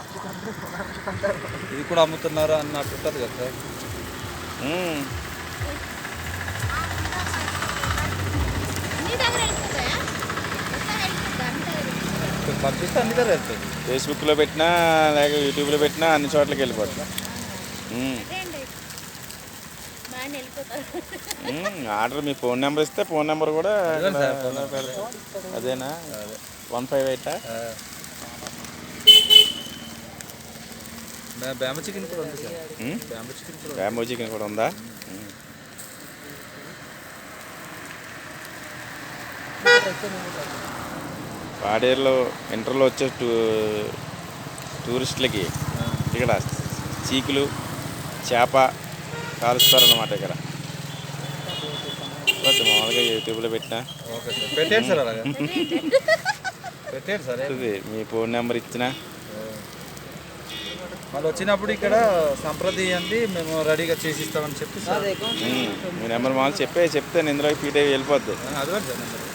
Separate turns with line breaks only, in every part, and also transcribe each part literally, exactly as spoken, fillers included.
ఇది కూడా అమ్ముతున్నారా అన్నట్టు ఉంటుంది కదా సార్. పంపిస్తే అన్ని దగ్గర వెళ్తుంది.
ఫేస్బుక్లో పెట్టినా లేక యూట్యూబ్లో పెట్టినా అన్ని చోట్లకి వెళ్ళిపోతుంది. ఆర్డర్ మీ ఫోన్ నెంబర్ ఇస్తే ఫోన్ నెంబర్ కూడా పెడతాం. అదేనా వన్ ఫైవ్ ఎయిటా?
బ్యాంబో చికెన్ కూడా ఉంది సార్. బ్యాంబో చికెన్ కూడా
బ్యాంబో చికెన్ కూడా ఉందా? పాడేరులో ఇంటర్లో వచ్చే టూ టూరిస్టులకి ఇక్కడ చీకులు చేప కాలుస్తారన్నమాట. ఇక్కడ మామూలుగా యూట్యూబ్లో పెట్టినా
ఓకే సార్. పెట్టేయండి సార్, అలాగే పెట్టేయండి సార్.
మీ ఫోన్ నెంబర్ ఇచ్చినా
వాళ్ళు వచ్చినప్పుడు ఇక్కడ సంప్రదించండి, మేము రెడీగా చేసి ఇస్తామని చెప్పి సార్.
మీ నెంబర్ మామూలు చెప్పే చెప్తే నేను ఇందులో ఫీట్ అయ్యి వెళ్ళిపోద్ది.
అది కూడా సార్ నెంబర్.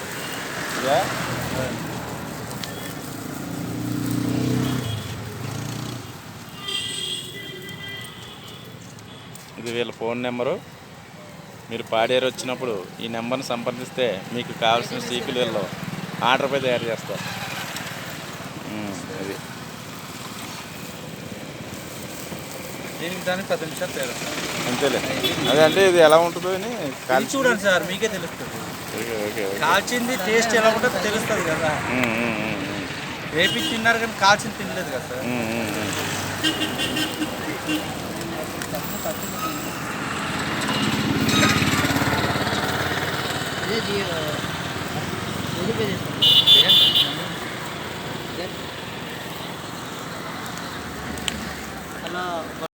ఇది వీళ్ళ ఫోన్ నెంబరు. మీరు పాడేరు వచ్చినప్పుడు ఈ నెంబర్ని సంప్రదిస్తే మీకు కావాల్సిన సీకులు వీళ్ళు ఆర్డర్పై తయారు చేస్తారు. అది
దీనికి దానికి పది నిమిషాలు తేడా
అంతేలే. అదే అంటే ఇది ఎలా ఉంటుందో అని
కాల్చి చూడండి సార్, మీకే తెలుస్తుంది. కాల్చింది టేస్ట్ ఎలా ఉంటుందో తెలుస్తుంది కదా. వేపి తిన్నారు కానీ కాల్చింది తినలేదు కదా సార్. అలా